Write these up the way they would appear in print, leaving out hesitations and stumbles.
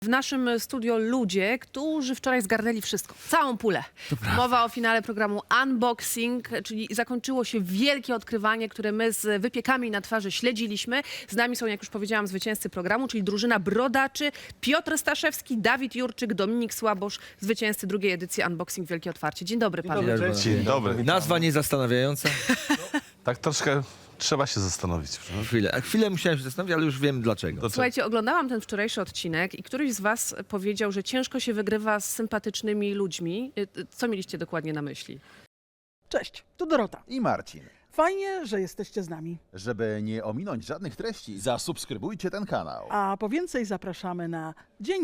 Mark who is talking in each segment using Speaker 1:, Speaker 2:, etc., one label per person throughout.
Speaker 1: W naszym studio ludzie, którzy wczoraj zgarnęli wszystko, całą pulę. Mowa o finale programu Unboxing, czyli zakończyło się wielkie odkrywanie, które my z wypiekami na twarzy śledziliśmy. Z nami są, jak już powiedziałam, zwycięzcy programu, czyli drużyna Brodaczy, Piotr Staszewski, Dawid Jurczyk, Dominik Słabosz, zwycięzcy drugiej edycji Unboxing Wielkie Otwarcie. Dzień dobry panu.
Speaker 2: Dzień dobry.
Speaker 3: Nazwa niezastanawiająca.
Speaker 2: Tak troszkę trzeba się zastanowić.
Speaker 3: Chwilę musiałem się zastanowić, ale już wiem dlaczego.
Speaker 1: Słuchajcie, oglądałam ten wczorajszy odcinek i któryś z was powiedział, że ciężko się wygrywa z sympatycznymi ludźmi. Co mieliście dokładnie na myśli?
Speaker 4: Cześć, tu Dorota.
Speaker 5: I Marcin.
Speaker 4: Fajnie, że jesteście z nami.
Speaker 5: Żeby nie ominąć żadnych treści, zasubskrybujcie ten kanał.
Speaker 4: A po więcej zapraszamy na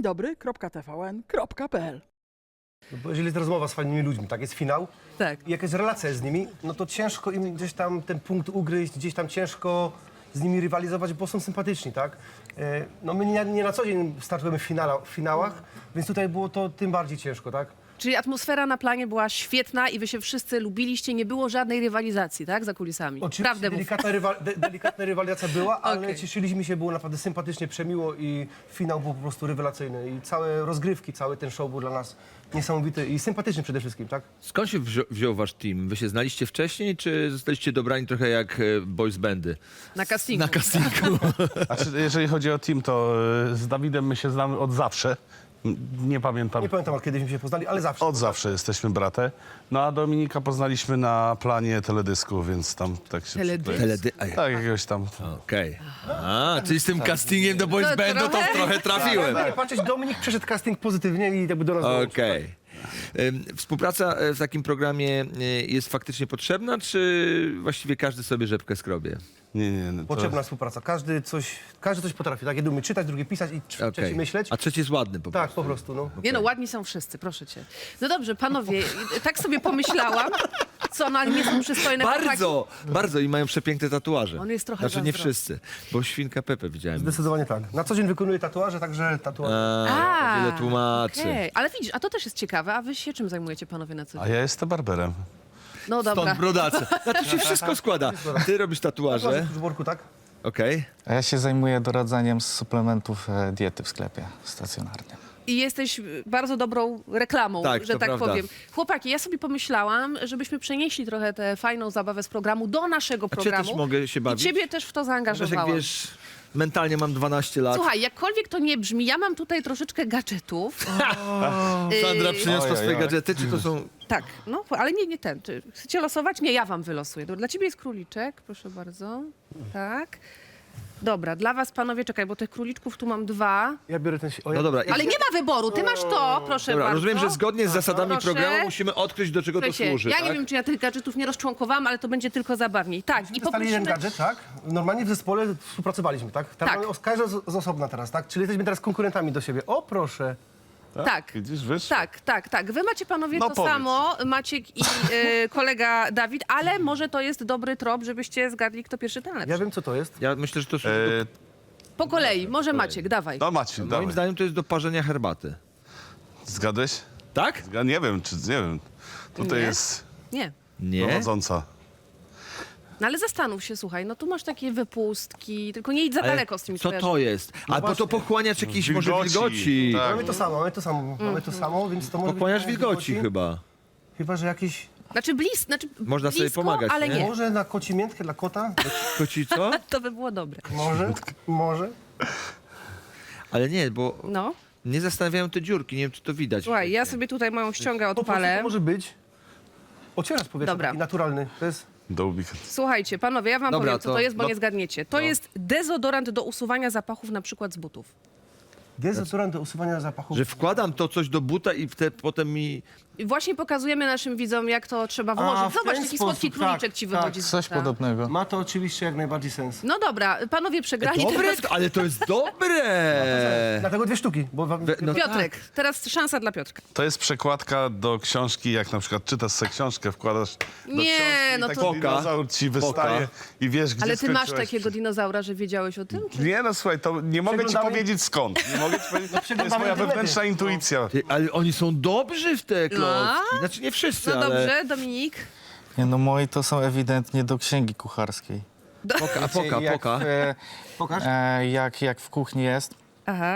Speaker 4: dzieńdobry.tvn.pl.
Speaker 6: No bo jeżeli jest rozmowa z fajnymi ludźmi, tak, jest finał
Speaker 1: Tak.
Speaker 6: i jakaś relacja z nimi, no to ciężko im gdzieś tam ten punkt ugryźć, gdzieś tam ciężko z nimi rywalizować, bo są sympatyczni, tak? No my nie na co dzień startujemy w finałach, więc tutaj było to tym bardziej ciężko, tak?
Speaker 1: Czyli atmosfera na planie była świetna i wy się wszyscy lubiliście, nie było żadnej rywalizacji, tak, za kulisami?
Speaker 6: Oczywiście
Speaker 1: Prawdę mów.
Speaker 6: delikatna rywalizacja była, ale
Speaker 1: Okej.
Speaker 6: cieszyliśmy się, było naprawdę sympatycznie, przemiło i finał był po prostu rewelacyjny i całe rozgrywki, cały ten show był dla nas niesamowity i sympatyczny przede wszystkim, tak?
Speaker 3: Skąd się wziął wasz team? Wy się znaliście wcześniej, czy zostaliście dobrani trochę jak boys bandy?
Speaker 1: Na castingu.
Speaker 3: Na castingu.
Speaker 2: Znaczy, jeżeli chodzi o team, to z Dawidem my się znamy od zawsze. Nie pamiętam.
Speaker 6: Nie pamiętam, kiedyśmy się poznali, ale zawsze.
Speaker 2: Od zawsze jesteśmy bratem. No a Dominika poznaliśmy na planie teledysku, więc tam tak się...
Speaker 1: Teledysku?
Speaker 2: Tak, jakiegoś tam...
Speaker 3: Okej. A, czyli z tym castingiem do boys
Speaker 1: To
Speaker 3: bandu to
Speaker 1: trochę-
Speaker 3: trochę trafiłem.
Speaker 6: Nie patrzeć, Dominik przeszedł casting pozytywnie i jakby do nas dołączył.
Speaker 3: Okej. Współpraca w takim programie jest faktycznie potrzebna, czy właściwie każdy sobie rzepkę skrobie?
Speaker 2: Nie, to...
Speaker 6: Potrzebna współpraca. Każdy coś potrafi, tak? Jeden umie czytać, drugi pisać i trzeci
Speaker 3: Okej.
Speaker 6: myśleć.
Speaker 3: A trzeci jest ładny po
Speaker 6: Tak,
Speaker 3: prostu.
Speaker 6: po prostu, no.
Speaker 1: Nie no, ładni są wszyscy, proszę cię. No dobrze, panowie, tak sobie pomyślałam. Co, no ale nie są przystojne
Speaker 3: Bardzo, bardzo i mają przepiękne tatuaże.
Speaker 1: On jest trochę
Speaker 3: Znaczy nie
Speaker 1: zazdrosny.
Speaker 3: wszyscy, bo świnka Pepe widziałem.
Speaker 6: Zdecydowanie tak. Na co dzień wykonuję tatuaże, także tatuaże.
Speaker 3: A, wiele tłumaczy.
Speaker 1: Okej. Ale widzisz, a to też jest ciekawe, a wy się czym zajmujecie panowie na co
Speaker 2: A
Speaker 1: dzień?
Speaker 2: ja jestem barberem.
Speaker 1: No dobra.
Speaker 3: Stąd brodacy. Na to się wszystko składa. Ty robisz tatuaże,
Speaker 6: W worku, tak?
Speaker 3: okej.
Speaker 7: A ja się zajmuję doradzaniem z suplementów diety w sklepie stacjonarnym.
Speaker 1: I jesteś bardzo dobrą reklamą,
Speaker 3: Tak,
Speaker 1: że
Speaker 3: to
Speaker 1: tak
Speaker 3: prawda.
Speaker 1: powiem. Chłopaki, ja sobie pomyślałam, żebyśmy przenieśli trochę tę fajną zabawę z programu do naszego
Speaker 3: A czy ja
Speaker 1: programu.
Speaker 3: też mogę się
Speaker 1: I
Speaker 3: bawić?
Speaker 1: ciebie też w to
Speaker 3: Wiesz, jak
Speaker 1: zaangażowałam.
Speaker 3: wiesz, mentalnie mam 12 lat.
Speaker 1: Słuchaj, jakkolwiek to nie brzmi, ja mam tutaj troszeczkę gadżetów.
Speaker 3: Sandra przyniosła
Speaker 7: Ojej,
Speaker 3: swoje
Speaker 7: oj.
Speaker 3: gadżety, czy to są...
Speaker 1: Tak, no, ale nie ten. Czy chcecie losować? Nie, ja wam wylosuję. Dobra, dla ciebie jest króliczek, proszę bardzo. Tak. Dobra, dla was panowie, czekaj, bo tych króliczków tu mam 2.
Speaker 6: Ja biorę ten...
Speaker 3: No dobra,
Speaker 1: Ale nie ma wyboru, ty masz to, proszę
Speaker 3: dobra,
Speaker 1: bardzo.
Speaker 3: rozumiem, że zgodnie z zasadami
Speaker 1: Proszę.
Speaker 3: programu musimy odkryć, do czego to
Speaker 1: Słuchajcie,
Speaker 3: służy,
Speaker 1: ja
Speaker 3: tak?
Speaker 1: nie wiem, czy ja tych gadżetów nie rozczłonkowałam, ale to będzie tylko zabawniej. Tak, i
Speaker 6: Dostali jeden
Speaker 1: poprosimy...
Speaker 6: gadżet, tak? Normalnie w zespole współpracowaliśmy, tak? Teraz
Speaker 1: Tak.
Speaker 6: mamy każda z osobna teraz, tak? Czyli jesteśmy teraz konkurentami do siebie. O, proszę.
Speaker 1: Tak.
Speaker 2: Widzisz, wiesz?
Speaker 1: Tak. Wy macie panowie
Speaker 2: No
Speaker 1: to
Speaker 2: powiedz.
Speaker 1: samo, Maciek i kolega Dawid, ale może to jest dobry trop, żebyście zgadli, kto pierwszy, ten lepszy.
Speaker 6: Ja wiem, co to jest.
Speaker 3: Ja myślę, że to służy
Speaker 2: E,
Speaker 1: Po kolei, może Maciek, dawaj.
Speaker 2: no Maciej,
Speaker 3: moim
Speaker 2: dawaj.
Speaker 3: zdaniem to jest do parzenia herbaty.
Speaker 2: Zgadłeś?
Speaker 3: Tak?
Speaker 2: Ja nie wiem, czy... Nie wiem. Tutaj
Speaker 1: Nie?
Speaker 2: jest
Speaker 1: Nie.
Speaker 3: Nie?
Speaker 2: prowadząca.
Speaker 1: No ale zastanów się, słuchaj, no tu masz takie wypustki, tylko nie idź za
Speaker 3: Ale
Speaker 1: daleko z tymi
Speaker 3: co
Speaker 1: skojarzeniami.
Speaker 3: to jest? A bo to pochłaniacz jakiś może wilgoci.
Speaker 2: Tak.
Speaker 6: Mamy to samo, więc to może
Speaker 3: Pochłaniacz
Speaker 6: być
Speaker 3: wilgoci chyba.
Speaker 6: Chyba, że jakieś...
Speaker 1: Znaczy
Speaker 3: Można sobie
Speaker 1: blisko,
Speaker 3: pomagać,
Speaker 1: ale
Speaker 3: nie?
Speaker 1: nie.
Speaker 6: Może na koci miętkę dla kota?
Speaker 3: Koci co?
Speaker 1: To by było dobre.
Speaker 6: Może.
Speaker 3: Ale nie, bo
Speaker 1: No.
Speaker 3: nie zastanawiają te dziurki, nie wiem, czy to widać.
Speaker 1: Słuchaj, ja sobie tutaj moją ściągę
Speaker 6: Po prostu
Speaker 1: odpalę.
Speaker 6: to może być ocieracz powietrza,
Speaker 1: Dobra.
Speaker 6: taki naturalny. To jest...
Speaker 2: Dołbik.
Speaker 1: Słuchajcie, panowie, ja wam
Speaker 3: Dobra,
Speaker 1: powiem, co to
Speaker 3: to-
Speaker 1: jest, bo
Speaker 3: no-
Speaker 1: nie zgadniecie. To jest dezodorant do usuwania zapachów, na przykład z butów.
Speaker 6: Dezodorant do usuwania zapachu.
Speaker 3: Że wkładam to coś do buta i potem mi...
Speaker 1: I właśnie pokazujemy naszym widzom, jak to trzeba
Speaker 6: A,
Speaker 1: włożyć.
Speaker 6: w
Speaker 1: Zobacz,
Speaker 6: ten
Speaker 1: taki
Speaker 6: sposób,
Speaker 1: słodki króliczek ci
Speaker 6: tak,
Speaker 1: wychodzi z
Speaker 7: Coś
Speaker 1: buta.
Speaker 7: podobnego.
Speaker 6: Ma to oczywiście jak najbardziej sens.
Speaker 1: No dobra, panowie przegrali.
Speaker 3: Dobre,
Speaker 1: Teraz...
Speaker 3: ale to jest dobre!
Speaker 6: Dlatego 2 sztuki, bo wam...
Speaker 3: No
Speaker 1: Piotrek, teraz szansa dla Piotrka.
Speaker 2: To jest przekładka do książki, jak na przykład czytasz sobie książkę, wkładasz do
Speaker 1: Nie,
Speaker 2: książki
Speaker 1: no
Speaker 2: i taki
Speaker 1: to-
Speaker 2: dinozaur ci wystaje i wiesz, gdzie
Speaker 1: Ale ty masz
Speaker 2: skończyłeś.
Speaker 1: takiego dinozaura, że wiedziałeś o tym? Czy...
Speaker 2: Nie, no słuchaj, to nie mogę ci
Speaker 6: Przeglądamy-
Speaker 2: powiedzieć skąd. Nie mogę ci powiedzieć, to jest
Speaker 6: przeglądamy
Speaker 2: moja
Speaker 6: internety.
Speaker 2: wewnętrzna intuicja.
Speaker 3: Ty, ale oni są dobrzy w te klocki. Znaczy nie wszyscy,
Speaker 1: No
Speaker 3: ale...
Speaker 1: dobrze, Dominik.
Speaker 7: Nie, no moi to są ewidentnie do księgi kucharskiej.
Speaker 3: Poka.
Speaker 7: Jak,
Speaker 6: Pokaż.
Speaker 7: jak w kuchni jest
Speaker 1: Aha.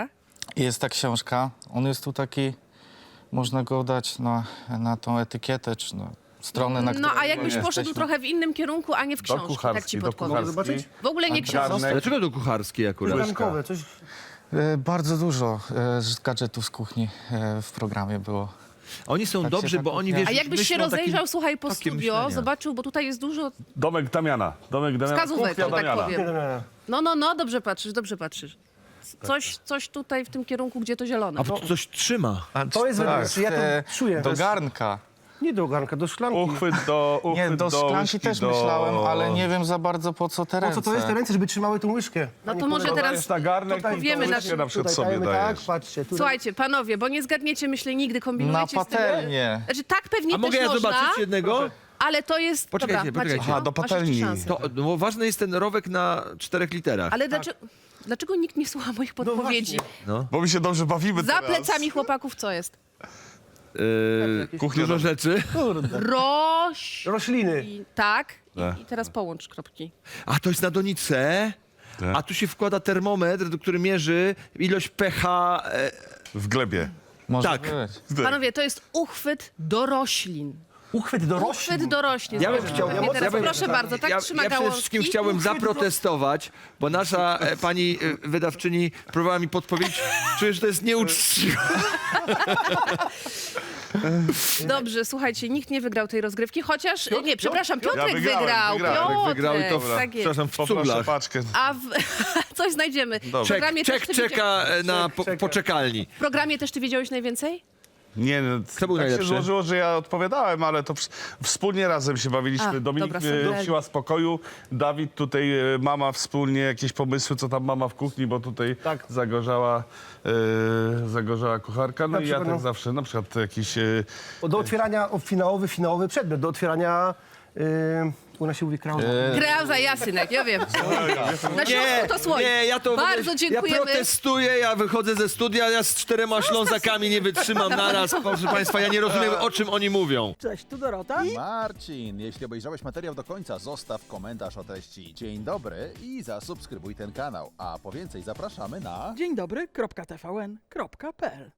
Speaker 7: Jest ta książka. On jest tu taki, można go dać na tą etykietę, czy na stronę, na
Speaker 1: No
Speaker 7: której
Speaker 1: a jakbyś poszedł
Speaker 7: jesteśmy.
Speaker 1: trochę w innym kierunku, a nie w
Speaker 2: Do
Speaker 1: książki, tak
Speaker 2: kucharskiej,
Speaker 1: ci
Speaker 2: do
Speaker 1: podpowiem.
Speaker 2: kucharskiej.
Speaker 1: W ogóle nie książki.
Speaker 2: Garnek.
Speaker 3: Dlaczego to kucharskie akurat?
Speaker 6: Rankowe, coś...
Speaker 7: Bardzo dużo gadżetów z kuchni w programie było.
Speaker 3: Oni są
Speaker 7: Tak się
Speaker 3: dobrzy,
Speaker 7: tak
Speaker 3: bo oni,
Speaker 7: kuchnia-
Speaker 3: wiesz,
Speaker 1: A jakbyś się
Speaker 3: myślą takim
Speaker 1: rozejrzał, słuchaj, po
Speaker 3: tokiem
Speaker 1: studio,
Speaker 3: myślenia.
Speaker 1: zobaczył, bo tutaj jest dużo
Speaker 2: Domek Damiana.
Speaker 1: wskazówek,
Speaker 2: Kuchnia
Speaker 1: że tak
Speaker 2: Damiana.
Speaker 1: powiem. No, dobrze patrzysz, dobrze patrzysz. Coś tutaj w tym kierunku, gdzie to zielone.
Speaker 3: A bo to coś trzyma.
Speaker 6: To jest, ja to czuję.
Speaker 7: Do garnka.
Speaker 6: Nie do garnka, do szklanki.
Speaker 2: Uchwyt do
Speaker 7: Nie, do szklanki
Speaker 2: łyżki,
Speaker 7: też
Speaker 2: do...
Speaker 7: myślałem, ale nie wiem za bardzo po co te
Speaker 6: Po
Speaker 7: ręce.
Speaker 6: co to jest te ręce, żeby trzymały tą łyżkę?
Speaker 1: No
Speaker 6: A nie
Speaker 1: to może
Speaker 6: kolego.
Speaker 1: teraz
Speaker 2: Dajesz na garnek
Speaker 6: Tutaj
Speaker 2: i
Speaker 1: wiemy,
Speaker 2: tą
Speaker 1: na
Speaker 2: łyżkę
Speaker 1: czym-
Speaker 2: na przykład
Speaker 6: Tutaj
Speaker 2: sobie
Speaker 6: dajemy
Speaker 2: dajesz.
Speaker 6: tak, patrzcie. Tu
Speaker 1: Słuchajcie, panowie, bo nie zgadniecie, myślę, nigdy
Speaker 7: Na
Speaker 1: kombinujecie z tym.
Speaker 7: patelnię.
Speaker 1: Znaczy tak pewnie
Speaker 3: A mogę
Speaker 1: też
Speaker 3: ja
Speaker 1: można,
Speaker 3: zobaczyć jednego?
Speaker 1: ale to jest...
Speaker 3: Poczekajcie,
Speaker 1: Dobra,
Speaker 3: poczekajcie.
Speaker 1: Maciek,
Speaker 2: Aha, do
Speaker 1: masz jeszcze
Speaker 2: patelni.
Speaker 1: szansę.
Speaker 3: To, no, bo ważny jest ten rowek na 4 literach.
Speaker 1: Ale dlaczego nikt nie słucha moich podpowiedzi?
Speaker 3: No.
Speaker 2: Bo my się dobrze bawimy
Speaker 1: Za
Speaker 2: teraz.
Speaker 1: plecami chłopaków co jest?
Speaker 2: Kuchnia
Speaker 3: Dużo rzeczy.
Speaker 6: Rośliny.
Speaker 1: Tak.
Speaker 2: Tak.
Speaker 1: I teraz połącz kropki.
Speaker 3: A to jest na donicy.
Speaker 2: Tak.
Speaker 3: A tu się wkłada termometr, który mierzy ilość pH.
Speaker 2: W glebie.
Speaker 7: Może
Speaker 3: Tak.
Speaker 7: być.
Speaker 1: Panowie, to jest uchwyt do roślin.
Speaker 6: Uchwyt do roślin.
Speaker 1: Uchwyt do roślin.
Speaker 3: Ja bym
Speaker 1: Zobaczcie.
Speaker 3: chciał,
Speaker 1: Mnie teraz, proszę
Speaker 3: ja
Speaker 1: bardzo, tak trzyma
Speaker 3: przede
Speaker 1: gałązki.
Speaker 3: wszystkim chciałem zaprotestować, bo nasza pani wydawczyni próbowała mi podpowiedzieć, czuję, że to jest nieuczciwe.
Speaker 1: Dobrze, słuchajcie, nikt nie wygrał tej rozgrywki, chociaż... Nie, przepraszam, Piotrek
Speaker 2: wygrałem.
Speaker 1: Piotrek,
Speaker 3: Wygrał i to,
Speaker 1: tak jest.
Speaker 3: przepraszam, w
Speaker 2: Poproszę
Speaker 3: cuglach.
Speaker 2: paczkę.
Speaker 1: A coś znajdziemy. W programie, też
Speaker 3: Czek
Speaker 1: ty
Speaker 3: czeka na
Speaker 6: czeka.
Speaker 3: poczekalni.
Speaker 1: w programie też ty wiedziałeś najwięcej?
Speaker 2: Nie, no,
Speaker 3: Kto był
Speaker 2: tak
Speaker 3: najlepszy?
Speaker 2: się złożyło, że ja odpowiadałem, ale to wspólnie razem się bawiliśmy.
Speaker 1: A,
Speaker 2: Dominik
Speaker 1: dobra, super.
Speaker 2: siła spokoju, Dawid tutaj, mama wspólnie, jakieś pomysły, co tam mama w kuchni, bo tutaj
Speaker 6: Tak.
Speaker 2: zagorzała kucharka. No
Speaker 6: Na
Speaker 2: i ja
Speaker 6: przykład,
Speaker 2: tak
Speaker 6: no.
Speaker 2: zawsze, na przykład jakiś...
Speaker 6: Do otwierania finałowy przedmiot. Do otwierania... u nas się mówi krauza.
Speaker 1: Krauza, ja, synek, ja wiem. Na Śląsku to słoń.
Speaker 3: nie, ja to
Speaker 1: Bardzo dziękujemy.
Speaker 3: Ja protestuję, ja wychodzę ze studia, ja z 4 Ślązakami nie wytrzymam naraz. Proszę państwa, ja nie rozumiem, o czym oni mówią.
Speaker 4: Cześć, tu Dorota.
Speaker 5: Marcin, jeśli obejrzałeś materiał do końca, zostaw komentarz o treści. Dzień dobry i zasubskrybuj ten kanał. A po więcej zapraszamy na...
Speaker 4: Dzień dobry, .tvn.pl